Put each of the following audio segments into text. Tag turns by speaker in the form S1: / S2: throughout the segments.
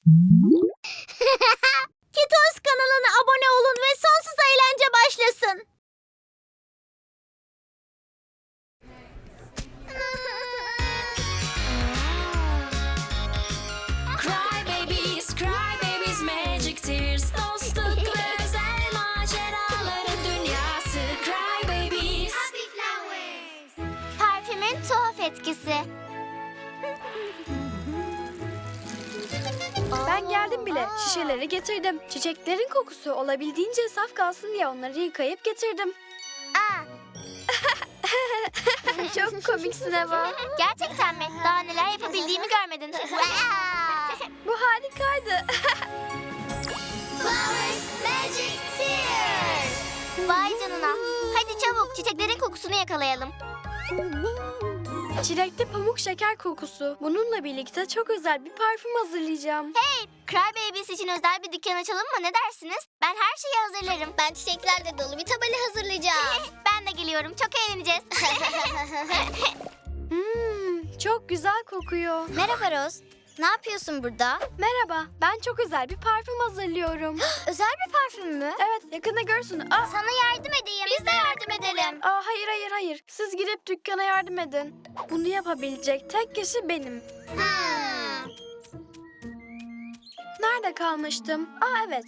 S1: Kitos kanalına abone olun ve sonsuz eğlence başlasın.
S2: Cry babies, magic tears, dostluk ve özel maceraların dünyası. Cry babies.
S3: Happy flowers.
S1: Parfümün tuhaf etkisi.
S4: Ben geldim bile. Şişeleri getirdim. Çiçeklerin kokusu olabildiğince saf kalsın diye onları yıkayıp getirdim. Çok komiksin Eva.
S1: Gerçekten mi? Daha neler yapabildiğimi görmedin.
S4: Bu harikaydı.
S3: Flowers, magic tears.
S1: Vay canına. Hadi çabuk çiçeklerin kokusunu yakalayalım.
S4: Çilekli pamuk şeker kokusu. Bununla birlikte çok özel bir parfüm hazırlayacağım.
S1: Hey, Cry Babies için özel bir dükkan açalım mı? Ne dersiniz? Ben her şeyi hazırlarım.
S3: Ben çiçeklerle dolu bir tabela hazırlayacağım.
S1: Ben de geliyorum. Çok eğleneceğiz.
S4: Çok güzel kokuyor.
S1: Merhaba Rose. Ne yapıyorsun burada?
S4: Merhaba, ben çok özel bir parfüm hazırlıyorum.
S1: Özel bir parfüm mü?
S4: Evet, yakında görsün.
S1: Sana yardım edeyim. Biz de yardım edelim.
S4: Hayır. Siz gidip dükkana yardım edin. Bunu yapabilecek tek kişi benim. Nerede kalmıştım? Evet.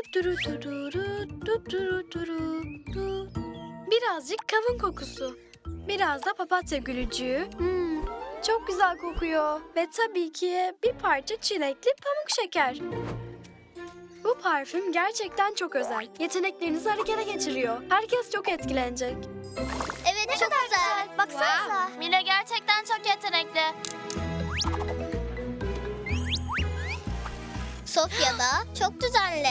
S4: Birazcık kavun kokusu. Biraz da papatya gülücüğü. Çok güzel kokuyor. Ve tabii ki bir parça çilekli pamuk şeker. Bu parfüm gerçekten çok özel. Yeteneklerinizi harekete geçiriyor. Herkes çok etkilenecek.
S3: Evet, çok güzel.
S1: Baksanıza.
S3: Mila gerçekten çok yetenekli. Sofya da çok düzenli.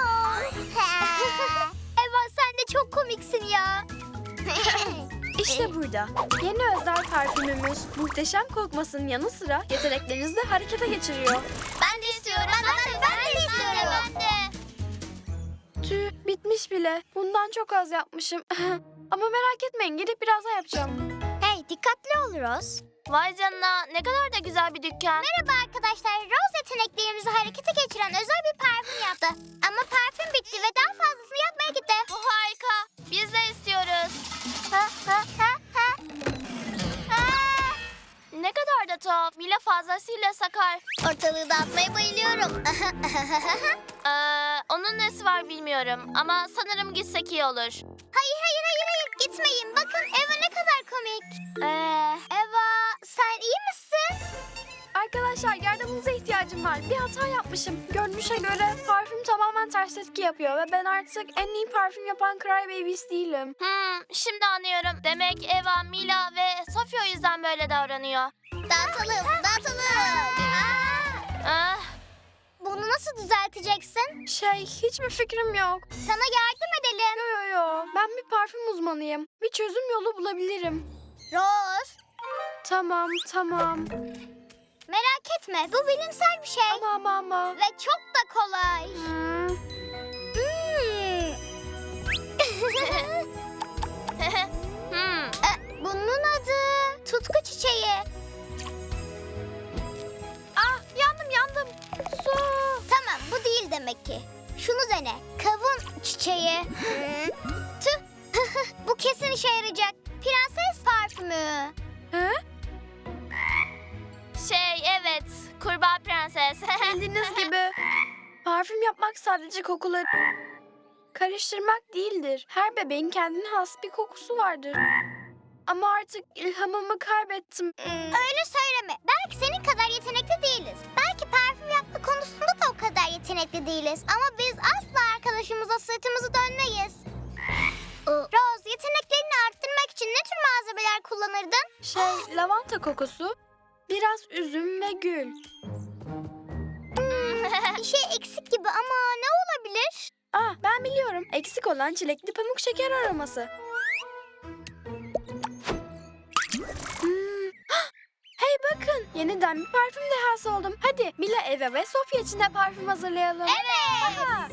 S1: Eva sen de çok komiksin ya.
S4: İşte burada. Yeni özel parfümümüz muhteşem kokmasının yanı sıra yeteneklerinizi de harekete geçiriyor.
S3: Ben de istiyorum. Ben de istiyorum. Ben de.
S4: Tüh, bitmiş bile. Bundan çok az yapmışım. Ama merak etmeyin, gidip biraz daha yapacağım.
S1: Hey dikkatli ol Rose.
S3: Vay canına, ne kadar da güzel bir dükkan.
S1: Merhaba arkadaşlar. Rose yeteneklerimizi harekete geçiren özel bir parfüm yaptı. Ama parfüm bitti ve daha fazlasını yapmaya gitti.
S3: Bu harika. Biz de istiyoruz. Ne kadar da tuhaf. Mila fazlasıyla sakar.
S1: Ortalığı dağıtmaya bayılıyorum.
S3: Onun nesi var bilmiyorum ama sanırım gitsek iyi olur.
S1: Hayır. Gitmeyin. Bakın Eva ne kadar komik. Eva sen iyi misin?
S4: Arkadaşlar, yardımınıza ihtiyacım var. Bir hata yapmışım. Görünüşe göre parfüm tamamen ters etki yapıyor ve ben artık en iyi parfüm yapan Cry Babies değilim.
S3: Şimdi anlıyorum. Demek Eva, Mila ve Sofia o yüzden böyle davranıyor.
S1: Dağıtalım.
S3: Ah,
S1: Bunu nasıl düzelteceksin?
S4: Hiçbir fikrim yok.
S1: Sana yardım edelim.
S4: Yo. Ben bir parfüm uzmanıyım. Bir çözüm yolu bulabilirim.
S1: Rose
S4: Tamam.
S1: merak etme. Bu bilimsel bir şey.
S4: Ama.
S1: Ve çok da kolay. Bunun adı tutku çiçeği.
S4: Yandım. Su.
S1: Tamam bu değil demek ki. Şunu dene. Kavun çiçeği. Tüh. Bu kesin işe yarayacak. Prenses parfümü.
S3: Evet. Kurbağa prenses.
S4: Bildiğiniz gibi parfüm yapmak sadece kokuları karıştırmak değildir. Her bebeğin kendine has bir kokusu vardır. Ama artık ilhamımı kaybettim.
S1: Öyle söyleme. Belki senin kadar yetenekli değiliz. Belki parfüm yapma konusunda da o kadar yetenekli değiliz. Ama biz asla arkadaşımıza sırtımızı dönmeyiz. Rose, yeteneklerini arttırmak için ne tür malzemeler kullanırdın?
S4: Lavanta kokusu, biraz üzüm ve gül.
S1: Bir şey eksik gibi ama ne olabilir?
S4: Ben biliyorum. Eksik olan çilekli pamuk şeker aroması. Hey bakın, yeniden bir parfüm dehası oldum. Hadi Mila, Eva ve Sofia için de parfüm hazırlayalım.
S1: Evet.
S4: Aha.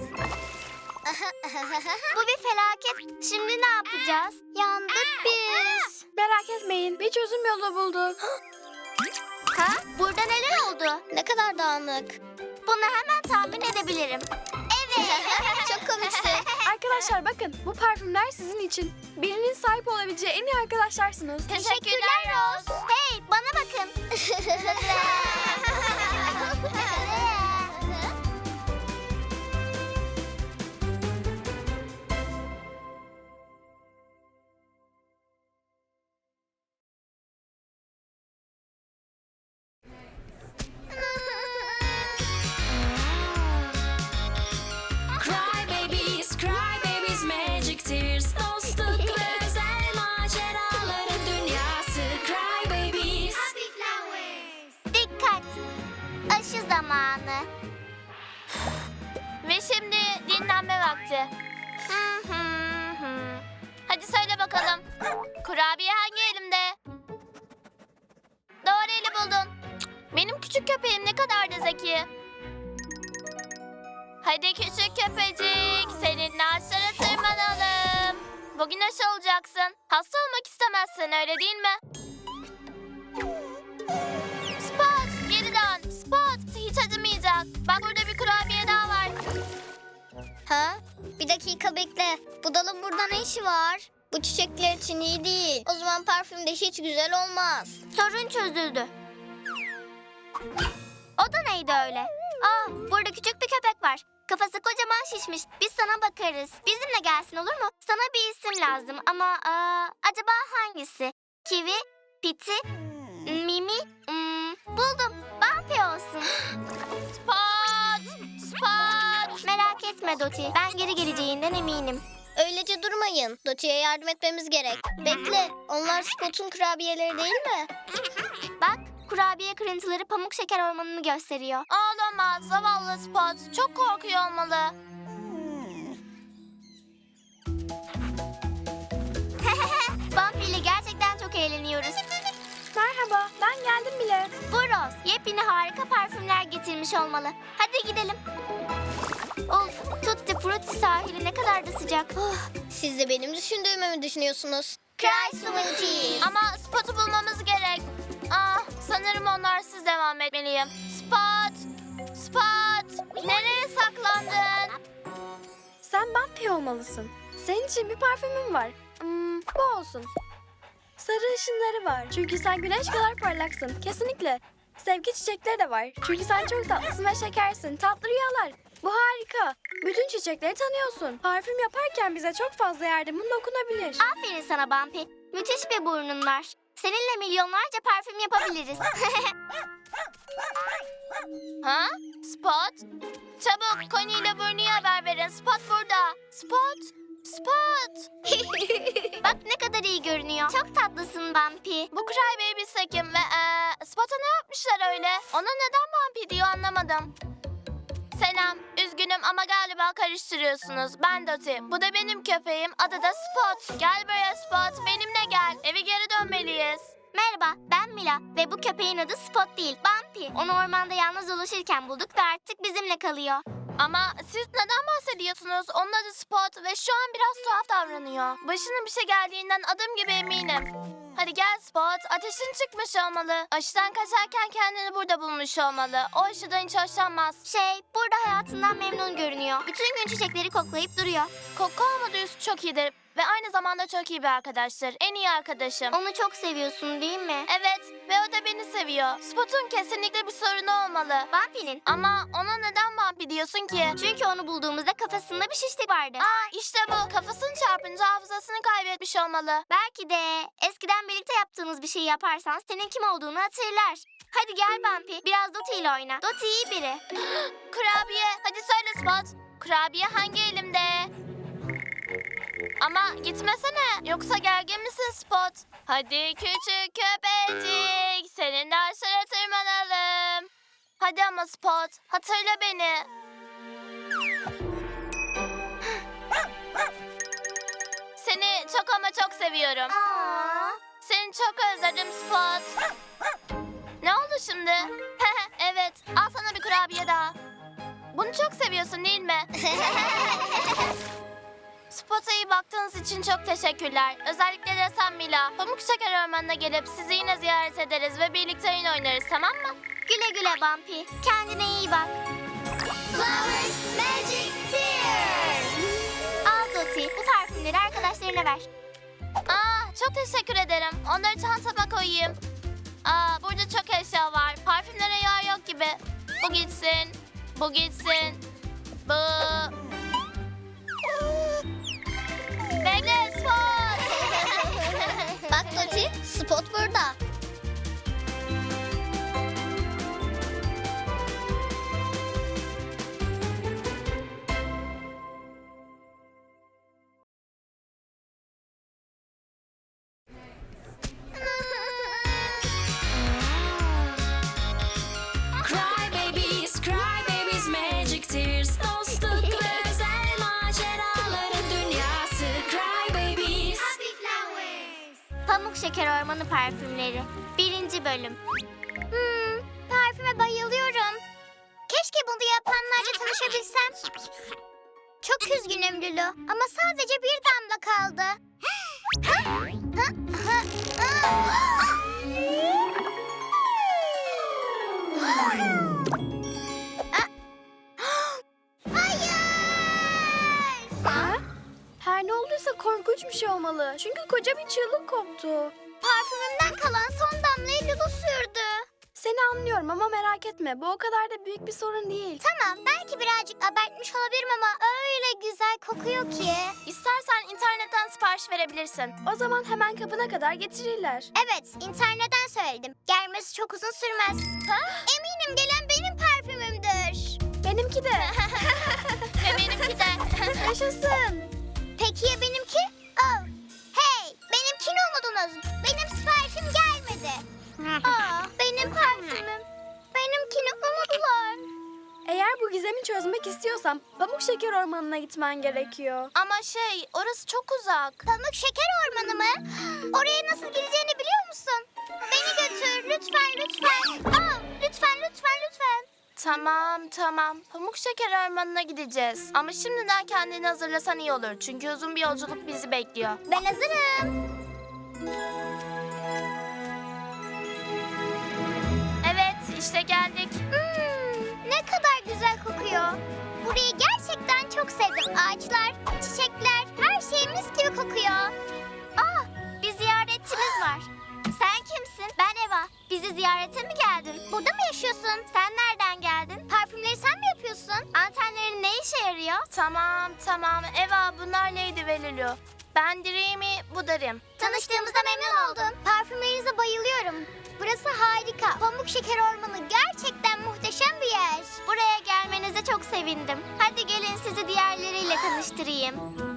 S1: Bu bir felaket. Şimdi ne yapacağız? Yandık biz.
S4: Merak etmeyin, bir çözüm yolu bulduk.
S1: Burada neler oldu?
S3: Ne kadar dağınık.
S1: Bunu hemen tahmin edebilirim. Evet. Çok komiksin.
S4: Arkadaşlar bakın, bu parfümler sizin için. Birinin sahip olabileceği en iyi arkadaşlarsınız.
S1: Teşekkürler Rose. Hey, bana bakın.
S2: Cry babies, magic tears, dostluk ve özel maceraların dünyası. Cry babies.
S1: Dikkat. Aşı zamanı.
S3: Ve şimdi dinlenme vakti. Hadi söyle bakalım. Kurabiye hangi elimde? Doğru eli buldun. Benim küçük köpeğim ne kadar da zeki. Hadi küçük köpecik, seninle ağaçlara tırmanalım. Bugün aşı olacaksın. Hasta olmak istemezsin, öyle değil mi? Spot, geri dön. Spot, hiç acımayacak. Bak burada bir kurabiye daha var.
S1: Ha? Bir dakika bekle. Bu dalın burada ne işi var? Bu çiçekler için iyi değil. O zaman parfüm de hiç güzel olmaz. Sorun çözüldü. O da neydi öyle? Burada küçük bir köpek var. Kafası kocaman şişmiş. Biz sana bakarız. Bizimle gelsin, olur mu? Sana bir isim lazım ama acaba hangisi? Kiwi, Piti, Mimi, buldum. Bumpy olsun.
S3: Spot, Spot.
S1: Merak etme Doti. Ben geri geleceğinden eminim. Öylece durmayın. Doti'ye yardım etmemiz gerek. Bekle. Onlar Spot'un kurabiyeleri değil mi? Bak, kurabiye kırıntıları pamuk şeker ormanını gösteriyor.
S3: Ağlamaz, zavallı Spot. Çok korkuyor olmalı.
S1: Bumpy ile gerçekten çok eğleniyoruz.
S4: Merhaba, ben geldim bile.
S1: Bu Rose yepyeni harika parfümler getirmiş olmalı. Hadi gidelim. Of, Tutti Frutti sahili ne kadar da sıcak. Siz de benim düşündüğümü mü düşünüyorsunuz? Cry Sweeties.
S3: Ama Spot'u bulmamız gerek. Sanırım onlarsız devam etmeliyim. Spot, Spot. Nereye saklandın?
S4: Sen Bumpy olmalısın. Senin için bir parfümüm var. Bu olsun. Sarı ışınları var. Çünkü sen güneş kadar parlaksın. Kesinlikle. Sevgi çiçekleri de var. Çünkü sen çok tatlısın ve şekersin. Tatlı rüyalar. Bu harika. Bütün çiçekleri tanıyorsun. Parfüm yaparken bize çok fazla yardımın dokunabilir.
S1: Aferin sana Bumpy. Müthiş bir burnun var. Seninle milyonlarca parfüm yapabiliriz.
S3: Ha? Spot? Çabuk Connie ile Bernie'ye haber verin. Spot burada. Spot, Spot.
S1: Bak ne kadar iyi görünüyor. Çok tatlısın Bumpy.
S3: Bu Cry Babies Kim ve Spot'a ne yapmışlar öyle? Ona neden Bumpy diyor anlamadım. Selam, üzgünüm ama galiba karıştırıyorsunuz. Ben Doti, bu da benim köpeğim, adı da Spot. Gel buraya Spot, benimle gel. Eve geri dönmeliyiz.
S1: Merhaba, ben Mila ve bu köpeğin adı Spot değil, Bumpy. Onu ormanda yalnız dolaşırken bulduk ve artık bizimle kalıyor.
S3: Ama siz neden bahsediyorsunuz? Onun adı Spot ve şu an biraz tuhaf davranıyor. Başına bir şey geldiğinden adım gibi eminim. Hadi gel Spot, ateşin çıkmış olmalı. Aşıdan kaçarken kendini burada bulmuş olmalı. O aşıdan hiç hoşlanmaz.
S1: Burada hayatından memnun görünüyor. Bütün gün çiçekleri koklayıp duruyor.
S3: Koku olmadığı üstü çok iyidir ve aynı zamanda çok iyi bir arkadaştır. En iyi arkadaşım.
S1: Onu çok seviyorsun değil mi?
S3: Evet ve o da beni seviyor. Spot'un kesinlikle bir sorunu olmalı.
S1: Bumpy'nin.
S3: Ama ona neden Bumpy diyorsun ki?
S1: Çünkü onu bulduğumuzda kafasında bir şişlik vardı.
S3: İşte bu. Kafasını çarpınca hafızasını kaybetmiş olmalı.
S1: Belki de eskiden birlikte yaptığınız bir şey yaparsan senin kim olduğunu hatırlar. Hadi gel Bumpy, biraz Doti ile oyna. Doti iyi biri.
S3: Kurabiye. Hadi söyle Spot. Kurabiye hangi elimde? Ama gitmesene. Yoksa gergin misin Spot? Hadi küçük köpecik. Seninle aşağı tırmanalım. Hadi ama Spot. Hatırla beni. Seni çok ama çok seviyorum. Seni çok özledim Spot. Ne oldu şimdi? Evet, al sana bir kurabiye daha. Bunu çok seviyorsun değil mi? Spot'a iyi baktığınız için çok teşekkürler. Özellikle de sen Mila. Pamuk Şeker Ormanı'na gelip sizi yine ziyaret ederiz ve birlikte oyun oynarız, tamam mı?
S1: Güle güle Bumpy. Kendine iyi bak. kardeşlerine ver.
S3: Çok teşekkür ederim. Onları çantama koyayım. Burada çok eşya var. Parfümlere yer yok gibi. Bu gitsin. Bu gitsin. Bu. Bekle Spot.
S1: Bak Doti, Spot burada.
S2: Cry babies, magic tears. Dostluk ve özel maceraların dünyası. Cry babies.
S1: Pamuk Şeker Ormanı Parfümleri 1. bölüm. Parfüme bayılıyorum. Keşke bunu yapanlarla tanışabilsem. Çok üzgünüm Lulu ama sadece bir damla kaldı. Hayır!
S4: Her ne olduysa korkunç bir şey olmalı. Çünkü koca bir çığlık koptu.
S1: Parfümümden kalan son damlayı Lulu sürdü.
S4: Seni anlıyorum ama merak etme. Bu o kadar da büyük bir sorun değil.
S1: Tamam, belki birazcık abartmış olabilirim ama öyle güzel kokuyor ki.
S3: İstersen internetten sipariş verebilirsin.
S4: O zaman hemen kapına kadar getirirler.
S1: Evet, internetten söyledim. Gelmesi çok uzun sürmez. Eminim gelen benim parfümümdür.
S4: Benimki de.
S3: Ve benimki de.
S4: Yaşasın.
S1: Peki ya benimki? Oh. Hey, benimkini umudunuz. Benim siparişim gelmedi. Benim parfümüm. Benimkini umudular.
S4: Eğer bu gizemi çözmek istiyorsan Pamuk Şeker Ormanı'na gitmen gerekiyor.
S3: Ama orası çok uzak.
S1: Pamuk Şeker Ormanı mı? Oraya nasıl gideceğini biliyor musun? Beni götür lütfen lütfen. Lütfen.
S3: Tamam. Pamuk Şeker Ormanı'na gideceğiz. Ama şimdiden kendini hazırlasan iyi olur. Çünkü uzun bir yolculuk bizi bekliyor.
S1: Ben hazırım.
S3: Evet, işte geldik.
S1: Ne kadar güzel kokuyor. Burayı gerçekten çok sevdim. Ağaçlar, çiçekler, her şey mis gibi kokuyor. Bir ziyaretçimiz var. Sen kimsin? Ben Eva. Bizi ziyarete mi geldin? Burada mı yaşıyorsun? Sen nereden geldin? Parfümleri sen mi yapıyorsun? Antenlerin ne işe yarıyor?
S3: Tamam. Eva, bunlar Lady ve Lulu. Ben Dreamy, bu da Rim.
S1: Tanıştığımıza memnun oldum. Parfümlerinize bayılıyorum. Burası harika. Pamuk Şeker Ormanı gerçekten muhteşem bir yer. Buraya gelmenize çok sevindim. Hadi gelin sizi diğerleriyle tanıştırayım.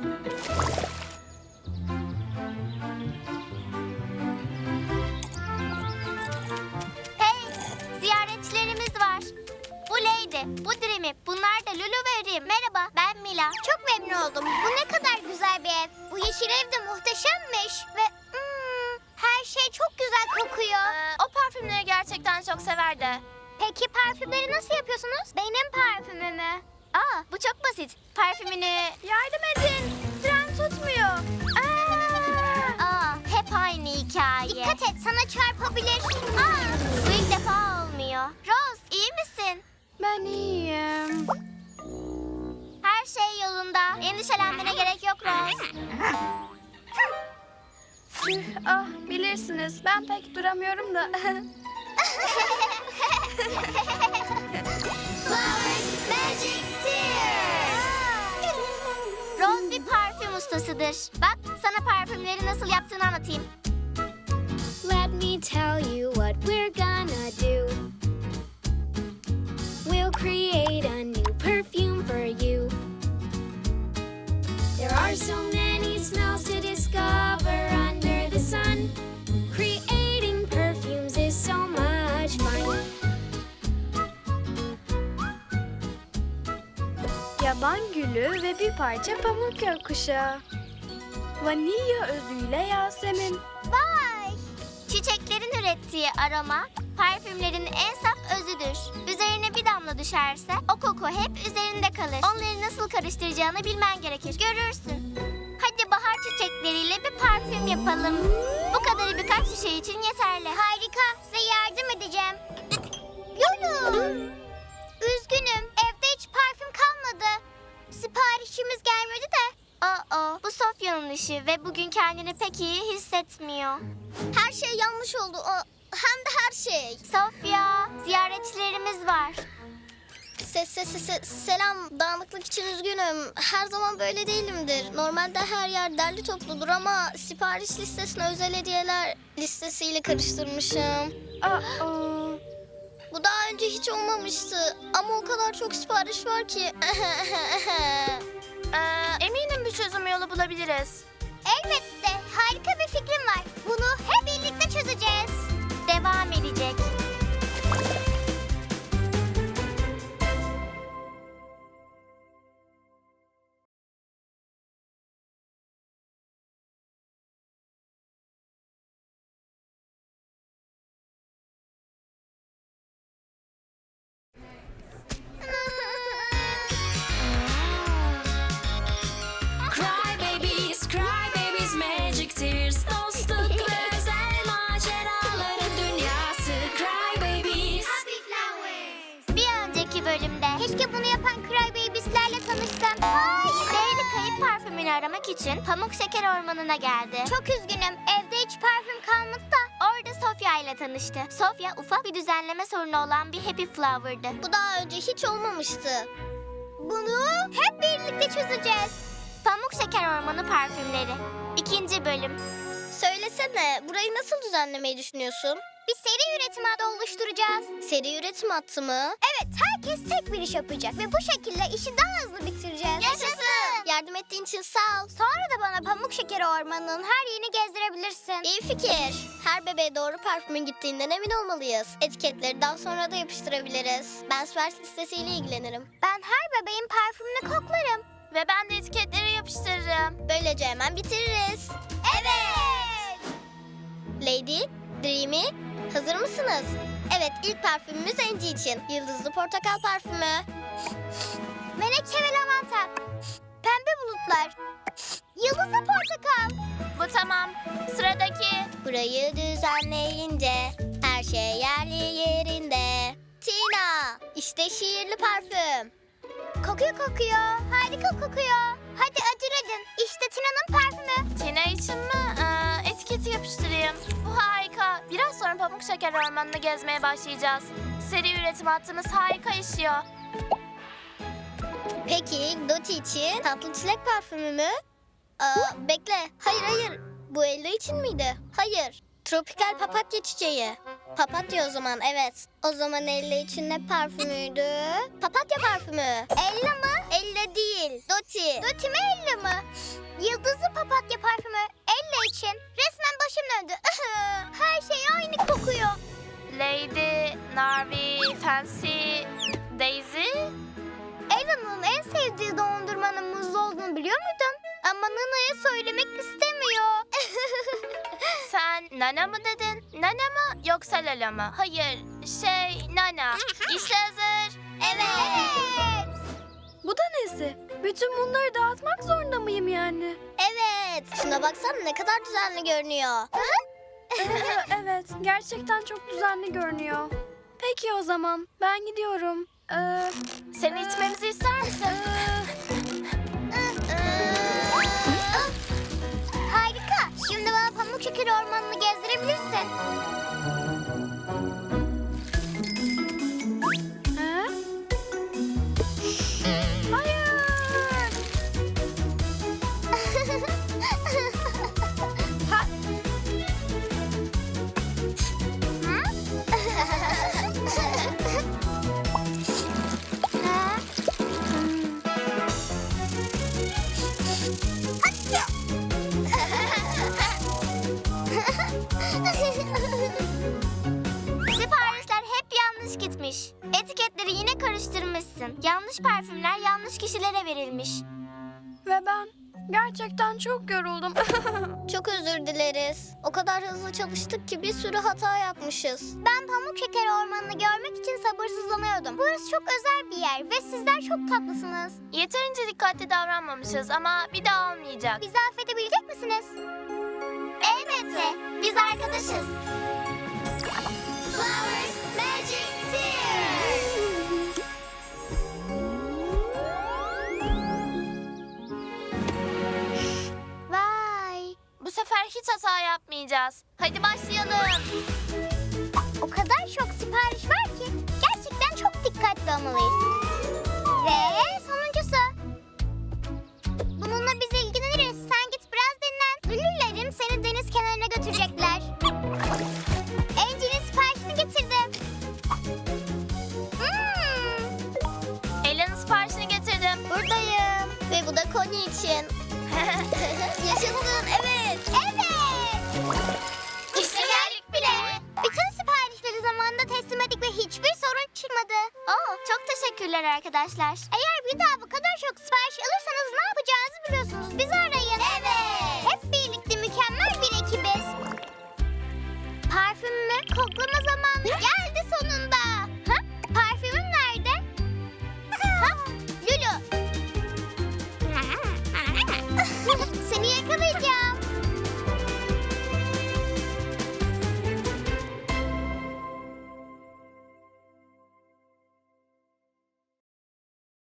S1: Hey, ziyaretçilerimiz var. Bu Lady, bu Dreamy, bunlar da Lulu ve Rim. Merhaba, ben Mila. Çok memnun oldum. Bu ne kadar güzel bir ev. Bu yeşil ev de muhteşemmiş ve her şey çok güzel kokuyor.
S3: O parfümleri gerçekten çok severdi.
S1: Peki parfümleri nasıl yapıyorsunuz? Benim parfümümü. Bu çok basit. Parfümünü...
S4: Yardım edin. Fren tutmuyor.
S1: Hep aynı hikaye. Dikkat et, sana çarpabilir. Bu ilk defa olmuyor. Rose, iyi misin?
S4: Ben iyiyim.
S1: Her şey yolunda. Endişelenmene gerek yok Rose.
S4: Bilirsiniz ben pek duramıyorum da.
S1: Rose bir parfüm ustasıdır. Bak, sana parfümleri nasıl yaptığını anlatayım.
S5: Let me tell you what we're gonna do. We'll create a new perfume for you. There are so many smells to discover under the sun. Creating perfumes is so much fun.
S4: Yaban gülü ve bir parça pamuk gökkuşağı. Vanilya özüyle Yasemin.
S1: Vay! Çiçeklerin ürettiği aroma, parfümlerin en saf özüdür. Üzerine bir damla düşerse o koku hep üzerinde kalır. Onları nasıl karıştıracağını bilmen gerekir. Görürsün. Hadi bahar çiçekleriyle bir parfüm yapalım. Bu kadarı birkaç şişe için yeterli. Harika. Size yardım edeceğim. Lulu! Üzgünüm. Evde hiç parfüm kalmadı. Siparişimiz gelmedi de. Bu Sofya'nın işi ve bugün kendini pek iyi hissetmiyor. Her şey yanlış oldu. Hem de her şey. Sofya, ziyaretçilerimiz var. Selam, dağınıklık için üzgünüm. Her zaman böyle değilimdir. Normalde her yer derli topludur ama sipariş listesine özel hediyeler listesiyle karıştırmışım. Bu daha önce hiç olmamıştı ama o kadar çok sipariş var ki.
S3: Eminim bir çözüm yolu bulabiliriz.
S1: Elbette, harika bir fikrim var. Bunu hep birlikte çözeceğiz. Devam edecek.
S2: Cry babies, magic tears, dostluk ve özel maceraların dünyası. Cry babies.
S1: Bir önceki bölümde keşke bunu yapan Crybabies'lerle tanışsam. Hayır. Leyli kayıp parfümünü aramak için Pamuk Şeker Ormanı'na geldi. Çok üzgünüm. Evde hiç parfüm kalmadı da. Orada Sofya ile tanıştı. Sofya ufak bir düzenleme sorunu olan bir Happy Flower'dı. Bu daha önce hiç olmamıştı. Bunu hep birlikte çözeceğiz. Pamuk Şeker Ormanı parfümleri. 2. bölüm. Söylesene, burayı nasıl düzenlemeyi düşünüyorsun? Bir seri üretim hattı oluşturacağız. Seri üretim hattı mı? Evet, herkes tek bir iş yapacak ve bu şekilde işi daha hızlı bitireceğiz. Yaşasın! Yardım ettiğin için sağ ol. Sonra da bana Pamuk Şekeri Ormanı'nın her yerini gezdirebilirsin. İyi fikir. Her bebeğe doğru parfümün gittiğinden emin olmalıyız. Etiketleri daha sonra da yapıştırabiliriz. Ben sipariş listesiyle ilgilenirim. Ben her bebeğin parfümünü koklarım.
S3: Ve ben de etiketleri yapıştırırım.
S1: Böylece hemen bitiririz. Evet! Lady, Dreamy, hazır mısınız? Evet, ilk parfümümüz Angie için. Yıldızlı portakal parfümü. Menekşe ve lavanta. Pembe bulutlar. Yıldızlı portakal.
S3: Bu tamam. Sıradaki.
S1: Burayı düzenleyince her şey yerli yerinde. Tina, işte şiirli parfüm. Kokuyor. Harika kokuyor. Hadi acele edin. İşte Tina'nın parfümü.
S3: Tina için mi? Etiketi yapıştırayım. Bu harika. Biraz sonra Pamuk Şeker Ormanı'nı gezmeye başlayacağız. Seri üretim hattımız harika işliyor.
S1: Peki Doti için tatlı çilek parfümü mü? Bekle. Hayır. Bu Ella için miydi? Hayır. Tropikal papatya çiçeği. Papatya o zaman, evet. O zaman Ella için ne parfümüydü? Papatya parfümü. Ella mı? Ella değil. Doti. Doti mi Ella mı? Yıldızlı papatya parfümü Ella için. Resmen başım döndü. Her şey aynı kokuyor.
S3: Lady, Narvi, Fancy, Daisy.
S1: Ella'nın en sevdiği dondurmanın muzlu olduğunu biliyor muydun? Ama Nana'ya söylemek istemiyor.
S3: Sen Nana mı dedin? Nana mı yoksa Lala mı? Hayır, Nana. İşte hazır.
S1: Evet.
S4: Bu da nesi? Bütün bunları dağıtmak zorunda mıyım yani?
S1: Evet. Şuna baksana ne kadar düzenli görünüyor.
S4: Evet, gerçekten çok düzenli görünüyor. Peki o zaman, ben gidiyorum.
S3: Seni içmemizi ister misin?
S1: Harika. Şimdi bana Pamuk Şeker Ormanı'nı gezdirebilirsin.
S4: Ha? Hayır! Ha,
S1: Siparişler hep yanlış gitmiş. Etiketleri yine karıştırmışsın. Yanlış parfümler yanlış kişilere verilmiş.
S4: ve ben gerçekten çok yoruldum.
S1: Çok özür dileriz. O kadar hızlı çalıştık ki bir sürü hata yapmışız. Ben Pamuk Şeker Ormanı'nı görmek için sabırsızlanıyordum. Burası çok özel bir yer ve sizler çok tatlısınız.
S3: Yeterince dikkatli davranmamışız ama bir daha olmayacak.
S1: Bizi affedebilecek misiniz? Elbette. Biz arkadaşız. Flowers Magic Tears.
S3: oynayacağız. Hadi başlayalım.
S1: O kadar çok sipariş var ki gerçekten çok dikkatli olmalıyız. Ve sonuncusu. Bununla biz ilgileniriz. Sen git biraz dinlen. Lülülerim seni deniz kenarına götürecekler. Angie'nin siparişini getirdim.
S3: Ela'nın siparişini getirdim.
S1: Buradayım. Ve bu da Connie için. Yaşasın, evet. Evet.
S3: İşte geldik bile.
S1: Bütün siparişleri zamanında teslim ettik ve hiçbir sorun çıkmadı.
S3: Çok teşekkürler arkadaşlar.
S1: Eğer bir daha bu kadar çok sipariş alırsanız ne yapacağınızı biliyorsunuz. Bizi arayın. Evet. Hep birlikte mükemmel bir ekibiz. Parfümümü koklama zamanı geldi.